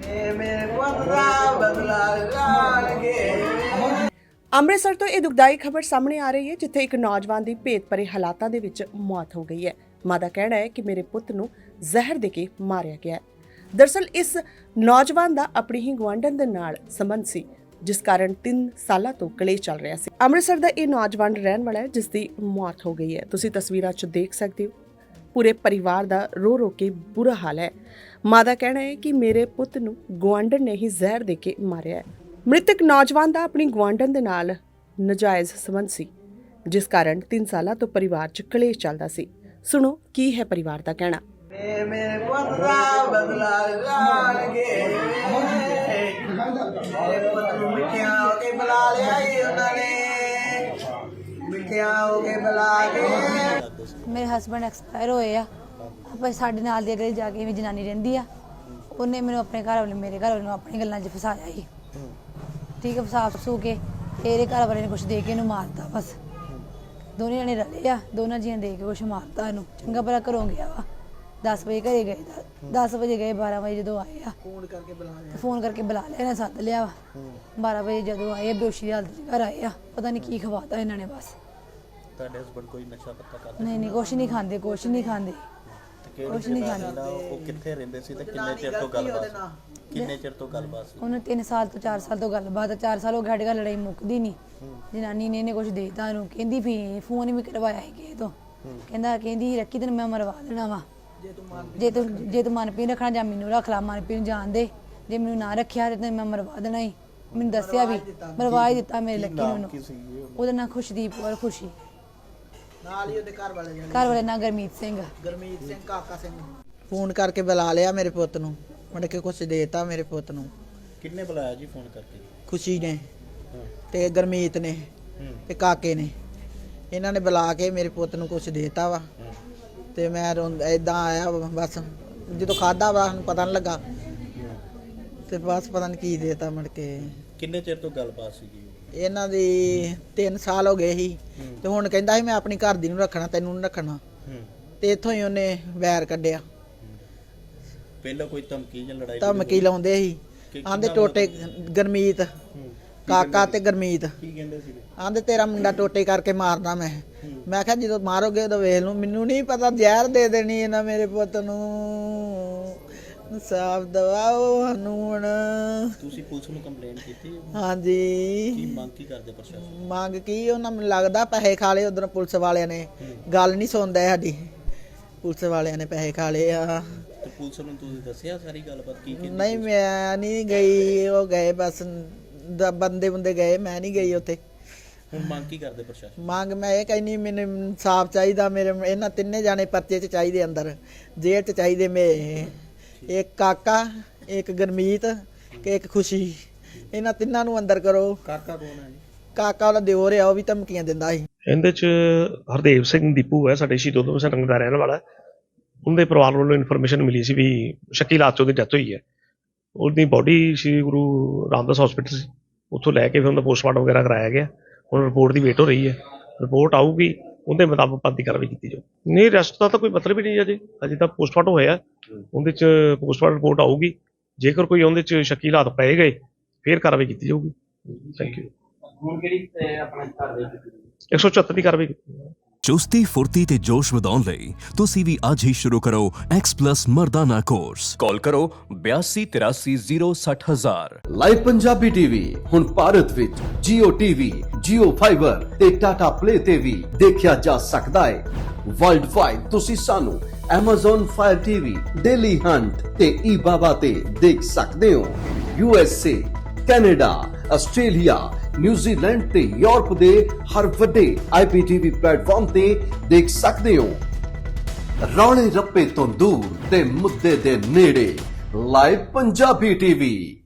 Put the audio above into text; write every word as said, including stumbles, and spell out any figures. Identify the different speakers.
Speaker 1: ਅੰਮ੍ਰਿਤਸਰ ਤੋਂ ਇਹ ਦੁਖਦਾਈ ਖਬਰ ਸਾਹਮਣੇ ਆ ਰਹੀ ਹੈ, ਜਿੱਥੇ ਇੱਕ ਨੌਜਵਾਨ ਦੀ ਭੇਤ ਭਰੇ ਹਾਲਾਤਾਂ ਦੇ ਵਿੱਚ ਮੌਤ ਹੋ ਗਈ ਹੈ। ਮਾਂ ਦਾ ਕਹਿਣਾ ਹੈ ਕਿ ਮੇਰੇ ਪੁੱਤ ਨੂੰ ਜ਼ਹਿਰ ਦੇ ਕੇ ਮਾਰਿਆ ਗਿਆ ਹੈ। ਦਰਅਸਲ ਇਸ ਨੌਜਵਾਨ ਦਾ ਆਪਣੀ ਹੀ ਗੁਆਂਢਣ ਦੇ ਨਾਲ ਸੰਬੰਧ ਸੀ, ਜਿਸ ਕਾਰਨ ਤਿੰਨ ਸਾਲਾਂ ਤੋਂ ਕਲੇਸ਼ ਚੱਲ ਰਿਹਾ ਸੀ। ਅੰਮ੍ਰਿਤਸਰ ਦਾ ਇਹ ਨੌਜਵਾਨ ਰਹਿਣ ਵਾਲਾ ਹੈ, ਜਿਸ ਦੀ ਮੌਤ ਹੋ ਗਈ ਹੈ। ਤੁਸੀਂ ਤਸਵੀਰਾਂ 'ਚ ਦੇਖ ਸਕਦੇ ਹੋ, ਪੂਰੇ ਪਰਿਵਾਰ ਦਾ ਰੋ ਰੋ ਕੇ ਬੁਰਾ ਹਾਲ ਹੈ। ਮਾਂ ਦਾ ਕਹਿਣਾ ਹੈ ਕਿ ਮੇਰੇ ਪੁੱਤ ਨੂੰ ਗੁਆਂਢਣ ਨੇ ਹੀ ਜ਼ਹਿਰ ਦੇ ਕੇ ਮਾਰਿਆ ਹੈ। ਮ੍ਰਿਤਕ ਨੌਜਵਾਨ ਦਾ ਆਪਣੀ ਗੁਆਂਢਣ ਦੇ ਨਾਲ ਨਜਾਇਜ਼ ਸੰਬੰਧ ਸੀ, ਜਿਸ ਕਾਰਨ ਤਿੰਨ ਸਾਲਾਂ ਤੋਂ ਪਰਿਵਾਰ 'ਚ ਕਲੇਸ਼ ਚੱਲਦਾ ਸੀ। ਸੁਣੋ ਕੀ ਹੈ ਪਰਿਵਾਰ ਦਾ ਕਹਿਣਾ।
Speaker 2: ਮੇਰੇ ਪੁੱਤ ਦਾ ਬਦਲਾ ਲਾਣਗੇ, ਮੇਰੇ ਪੁੱਤ ਨੂੰ ਮਿੱਠਿਆਂ ਹੋ ਕੇ ਬੁਲਾ ਲਿਆ ਈ ਉਹਨਾਂ ਨੇ, ਮਿੱਠਿਆਂ ਹੋ ਕੇ ਬੁਲਾ ਕੇ।
Speaker 3: ਮੇਰੇ ਹਸਬੰਡ ਐਕਸਪਾਇਰ ਹੋਏ ਆ। ਆਪਾਂ ਸਾਡੇ ਨਾਲ ਦੀ ਅਗਲੇ ਜਾ ਕੇ ਵੀ ਜਨਾਨੀ ਰਹਿੰਦੀ ਆ, ਉਹਨੇ ਮੈਨੂੰ ਆਪਣੇ ਘਰ ਵਾਲੇ ਮੇਰੇ ਘਰ ਵਾਲੇ ਨੂੰ ਆਪਣੀ ਗੱਲਾਂ 'ਚ ਫਸਾਇਆ ਸੀ। ਠੀਕ ਹੈ, ਫਸਾ ਫਸੂ ਕੇ ਇਹਦੇ ਘਰ ਵਾਲੇ ਨੇ ਕੁਛ ਦੇ ਕੇ ਇਹਨੂੰ ਮਾਰਤਾ। ਬਸ ਦੋਨੇ ਜਣੇ ਰਲੇ ਆ, ਦੋਨਾਂ ਜੀਆਂ ਦੇ ਕੇ ਕੁਛ ਮਾਰਤਾ ਇਹਨੂੰ। ਚੰਗਾ ਭਲਾ ਘਰੋਂ ਗਿਆ ਵਾ, ਦਸ ਵਜੇ ਘਰੇ ਗਏ, ਦਸ ਵਜੇ ਗਏ, ਬਾਰਾਂ ਵਜੇ ਜਦੋਂ ਆਏ ਆ
Speaker 2: ਫੋਨ ਕਰਕੇ ਬੁਲਾ ਲਿਆ
Speaker 3: ਫੋਨ ਕਰਕੇ ਬੁਲਾ ਲਿਆ ਇਹਨੇ, ਸੱਦ ਲਿਆ ਵਾ। ਬਾਰਾਂ ਵਜੇ ਜਦੋਂ ਆਏ ਬੇਹੋਸ਼ੀ ਦੀ ਹਾਲਤ 'ਚ ਘਰ ਆਏ ਆ, ਪਤਾ ਨਹੀਂ ਕੀ ਖਵਾਤਾ ਇਹਨਾਂ ਨੇ। ਬਸ
Speaker 4: ਤੁਹਾਡੇ ਹਸਬੰਡ ਕੋਈ ਨਸ਼ਾ ਪੱਤਾ ਕਰਦੇ?
Speaker 3: ਨਹੀਂ ਨਹੀਂ, ਕੁਛ ਨਹੀਂ ਖਾਂਦੇ, ਕੁਛ ਨਹੀਂ ਖਾਂਦੇ, ਕੁਛ ਨਹੀਂ ਖਾਂਦੇ।
Speaker 4: ਉਹ ਕਿੱਥੇ ਰਹਿੰਦੇ ਸੀ ਤੇ ਕਿੰਨੇ ਚਿਰ ਤੋਂ ਗੱਲਬਾਤ ਕਿੰਨੇ ਚਿਰ ਤੋਂ ਗੱਲਬਾਤ ਸੀ?
Speaker 3: ਉਹਨੇ ਤਿੰਨ ਸਾਲ ਤੋਂ ਚਾਰ ਸਾਲ ਤੋਂ ਗੱਲਬਾਤ, ਚਾਰ ਸਾਲ ਹੋ ਗਏ ਸਾਡੇ ਘਰ ਲੜਾਈ ਮੁੱਕਦੀ ਨਹੀਂ। ਜਨਾਨੀ ਨੇ ਇਹਨੇ ਕੁਛ ਦੇਤਾ ਉਹਨੂੰ, ਕਹਿੰਦੀ ਵੀ ਫੋਨ ਵੀ ਕਰਵਾਇਆ ਸੀ ਕਿਸੇ ਤੋਂ, ਕਹਿੰਦਾ ਕਹਿੰਦੀ ਰੱਖੀ ਤੈਨੂੰ ਮੈਂ ਮਰਵਾ ਦੇਣਾ ਵਾ, ਜੇ ਤੂੰ ਜੇ ਤੂੰ ਮਨਪ੍ਰੀਤ ਰੱਖਣਾ ਜਾਂ ਮੈਨੂੰ ਰੱਖ ਲਾ, ਮਨਪ੍ਰੀਤ ਨੂੰ ਜਾਣ ਦੇ, ਜੇ ਮੈਨੂੰ ਨਾ ਰੱਖਿਆ ਤੇ ਤੈਨੂੰ ਮੈਂ ਮਰਵਾ ਦੇਣਾ ਹੀ। ਮੈਨੂੰ ਦੱਸਿਆ ਵੀ ਮਰਵਾ ਹੀ ਦਿੱਤਾ ਮੇਰੇ ਲੱਕੀ ਨੂੰ। ਉਹਦਾ ਨਾਂ ਖੁਸ਼ਦੀਪ ਕੌਰ, ਖੁਸ਼ੀ।
Speaker 2: ਨਾਲ ਹੀ ਉਹਦੇ ਘਰ ਵਾਲੇ ਜਣੇ,
Speaker 3: ਘਰ ਵਾਲੇ ਨਾਂ ਗੁਰਮੀਤ ਸਿੰਘ,
Speaker 2: ਗੁਰਮੀਤ ਸਿੰਘ, ਕਾਕਾ ਸਿੰਘ। ਫੋਨ ਕਰਕੇ ਬੁਲਾ ਲਿਆ ਮੇਰੇ ਪੁੱਤ ਨੂੰ, ਮੁੜ ਕੇ ਕੁਛ ਦੇਤਾ ਮੇਰੇ ਪੁੱਤ ਨੂੰ।
Speaker 4: ਕਿੰਨੇ ਬੁਲਾਇਆ ਜੀ ਫੋਨ ਕਰਕੇ?
Speaker 2: ਖੁਸ਼ੀ ਨੇ ਤੇ ਗੁਰਮੀਤ ਨੇ ਤੇ ਕਾਕੇ ਨੇ, ਇਹਨਾਂ ਨੇ ਬੁਲਾ ਕੇ ਮੇਰੇ ਪੁੱਤ ਨੂੰ ਕੁਛ ਦੇਤਾ ਵਾ। ਤੇ ਮੈਂ ਏਦਾਂ ਆਇਆ, ਬਸ ਜਦੋਂ ਖਾਦਾ ਵਾ ਪਤਾ ਨਹੀਂ ਲੱਗਾ, ਤੇ ਬਸ ਪਤਾ ਨਹੀਂ ਕੀ ਦੇਤਾ ਮੁੜ ਕੇ।
Speaker 4: ਕਿੰਨੇ ਚਿਰ ਤੋਂ ਗੱਲਬਾਤ ਸੀਗੀ?
Speaker 2: ਇਹਨਾਂ ਦੀ ਤਿੰਨ ਸਾਲ ਹੋ ਗਏ ਸੀ, ਤੇ ਹੁਣ ਕਹਿੰਦਾ ਸੀ ਮੈਂ ਆਪਣੀ ਘਰ ਦੀ ਨੂੰ ਰੱਖਣਾ, ਤੈਨੂੰ ਨਹੀਂ ਰੱਖਣਾ। ਤੇ ਇੱਥੋਂ ਹੀ ਉਹਨੇ ਵੈਰ ਕੱਢਿਆ।
Speaker 4: ਪਹਿਲਾਂ ਕੋਈ ਧਮਕੀ ਜਾਂ ਲੜਾਈ
Speaker 2: ਧਮਕੀ ਲਾਉਂਦੇ ਸੀ, ਆਂਦੇ ਟੋਟੇ, ਗੁਰਮੀਤ ਕਾਕਾ ਤੇ ਗੁਰਮੀਤ
Speaker 4: ਕੀ ਕਹਿੰਦੇ ਸੀ?
Speaker 2: ਆਂਦੇ ਤੇਰਾ ਮੁੰਡਾ ਟੋਟੇ ਕਰਕੇ ਮਾਰਨਾ। ਮੈਂ ਮੈਂ ਕਿਹਾ ਜਦੋਂ ਮਾਰੋਗੇ ਉਦੋਂ ਵੇਖ ਲੂ, ਮੈਨੂੰ ਨਹੀਂ ਪਤਾ ਜ਼ਹਿਰ ਦੇ ਦੇਣੀ ਇਹਨਾਂ ਮੇਰੇ ਪੁੱਤ ਨੂੰ। ਇਨਸਾਫ ਦਵਾਓ ਸਾਨੂੰ ਹੁਣ।
Speaker 4: ਤੁਸੀਂ ਪੁਲਿਸ ਨੂੰ ਕੰਪਲੇਂਟ ਕੀਤੀ?
Speaker 2: ਹਾਂਜੀ।
Speaker 4: ਕੀ ਮੰਗ ਕੀ ਕਰਦੇ ਪ੍ਰਸ਼ਾਸਨ?
Speaker 2: ਮੰਗ ਕੀ, ਉਹਨਾਂ ਨੂੰ ਲੱਗਦਾ ਪੈਸੇ ਖਾ ਲਏ ਉਧਰ ਪੁਲਿਸ ਵਾਲਿਆਂ ਨੇ, ਗੱਲ ਨਹੀਂ ਸੁਣਦਾ ਸਾਡੀ। ਪੁਲਿਸ ਵਾਲਿਆਂ ਨੇ ਪੈਸੇ ਖਾ ਲਏ ਆ।
Speaker 4: ਤੇ ਪੁਲਿਸ ਨੂੰ ਤੁਸੀਂ ਦੱਸਿਆ ਸਾਰੀ ਗੱਲਬਾਤ ਕੀ ਕੀਤੀ?
Speaker 2: ਨਹੀਂ ਮੈਂ ਨਹੀਂ ਗਈ, ਉਹ ਗਏ ਬਸ ਬੰਦੇ ਬੰਦੇ ਗਏ, ਮੈਂ ਨਹੀਂ ਗਈ ਉੱਥੇ।
Speaker 4: ਹੁਣ ਮੰਗ ਕੀ ਕਰਦੇ ਪ੍ਰਸ਼ਾਸਨ? ਮੰਗ
Speaker 2: ਮੈਂ ਇਹ ਕਹਿੰਦੀ ਮੈਨੂੰ ਇਨਸਾਫ ਚਾਹੀਦਾ, ਮੇਰੇ ਇਹਨਾਂ ਤਿੰਨੇ ਜਾਣੇ ਪਰਚੇ 'ਚ ਚਾਹੀਦੇ, ਅੰਦਰ ਜੇਲ੍ਹ 'ਚ ਚਾਹੀਦੇ। ਮੇਰੇ ਇੱਕ ਕਾਕਾ, ਇੱਕ ਗੁਰਮੀਤ ਤੇ ਇੱਕ ਖੁਸ਼ੀ, ਇਹਨਾਂ ਤਿੰਨਾਂ ਨੂੰ ਅੰਦਰ ਕਰੋ।
Speaker 4: ਕਾਕਾ ਕੌਣ ਹੈ ਜੀ?
Speaker 2: ਕਾਕਾ ਉਹਦਾ ਦਿਓਰ ਆ, ਉਹ ਵੀ ਧਮਕੀਆਂ ਦਿੰਦਾ ਸੀ।
Speaker 5: ਇਹਦੇ 'ਚ ਹਰਦੇਵ ਸਿੰਘ ਦੀਪੂ ਹੈ, ਸਾਡੇ ਸ਼ਹੀਦ ਊਧਮ ਸਿੰਘ ਨਗਰ ਦਾ ਰਹਿਣ ਵਾਲਾ। ਉਹਦੇ ਪਰਿਵਾਰ ਵੱਲੋਂ ਇਨਫੋਰਮੇਸ਼ਨ ਮਿਲੀ ਸੀ ਵੀ ਸ਼ੱਕੀ ਹਾਲਾਤ 'ਚ ਉਹਦੀ ਡੈਥ ਹੋਈ ਹੈ। ਉਹਦੀ ਬੋਡੀ ਸ਼੍ਰੀ ਗੁਰੂ ਰਾਮਦਾਸ ਹਸਪੀਟਲ ਸੀ, ਉੱਥੋਂ ਲੈ ਕੇ ਫਿਰ ਉਹਦਾ ਪੋਸਟਮਾਰਟਮ ਵਗੈਰਾ ਕਰਾਇਆ ਗਿਆ। ਹੁਣ ਰਿਪੋਰਟ ਦੀ ਵੇਟ ਹੋ ਰਹੀ ਹੈ, ਰਿਪੋਰਟ ਆਊਗੀ, ਉਹਦੇ ਮੁਤਾਬਕ ਬਣਦੀ ਕਾਰਵਾਈ ਕੀਤੀ ਜਾਊ। ਨਹੀਂ, ਅਰੈਸਟ ਦਾ ਤਾਂ ਕੋਈ ਮਤਲਬ ਹੀ ਨਹੀਂ ਅਜੇ, ਅਜੇ ਤਾਂ ਪੋਸਟਮਾਰਟਮ ਹੋਇਆ, ਉਹਦੇ 'ਚ ਪੋਸਟਮਾਰਟਮ ਰਿਪੋਰਟ ਆਊਗੀ। ਜੇਕਰ ਕੋਈ ਉਹਦੇ 'ਚ ਸ਼ੱਕੀ ਹਾਲਾਤ ਪਏ ਗਏ ਫਿਰ ਕਾਰਵਾਈ ਕੀਤੀ ਜਾਊਗੀ। Thank you.
Speaker 6: ਹੁਣ ਕਿਹੜੀ ਆਪਣਾ ਕਾਰਵਾਈ ਕੀਤੀ?
Speaker 5: ਇੱਕ ਸੌ ਚੁਹੱਤਰ ਦੀ ਕਾਰਵਾਈ ਕੀਤੀ।
Speaker 7: ਚੁਸਤੀ ਫੁਰਤੀ ਤੇ ਜੋਸ਼ ਵਧਾਉਣ ਲਈ ਤੁਸੀਂ ਵੀ ਅੱਜ ਹੀ ਸ਼ੁਰੂ ਕਰੋ ਐਕਸ ਪਲੱਸ ਮਰਦਾਨਾ ਕੋਰਸ। ਕਾਲ ਕਰੋ ਬਿਆਸੀ ਤਿਰਾਸੀ ਜ਼ੀਰੋ ਸੱਠ ਹਜ਼ਾਰ।
Speaker 8: ਲਾਈਵ ਪੰਜਾਬੀ ਟੀਵੀ ਹੁਣ ਭਾਰਤ ਵਿੱਚ ਜੀਓ ਟੀਵੀ, ਜੀਓ ਫਾਈਬਰ ਤੇ ਟਾਟਾ ਪਲੇ ਤੇ ਵੀ ਦੇਖਿਆ ਜਾ ਸਕਦਾ ਹੈ। ਵਰਲਡ ਵਾਈਡ ਤੁਸੀਂ ਸਾਨੂੰ Amazon Fire T V, Dailyhunt ਤੇ ਈ ਬਾਬਾ ਤੇ ਦੇਖ ਸਕਦੇ ਹੋ। U S A, Canada, Australia, New Zealand ਤੇ ਯੂਰਪ ਦੇ ਹਰ ਵੱਡੇ ਆਈ ਪੀ ਟੀ ਵੀ ਪਲੇਟਫਾਰਮ ਤੇ ਦੇਖ ਸਕਦੇ ਹੋ। ਰੌਲੇ ਰੱਪੇ ਤੋਂ ਦੂਰ ਤੇ ਮੁੱਦੇ ਦੇ ਨੇੜੇ, ਲਾਈਵ ਪੰਜਾਬੀ ਟੀਵੀ।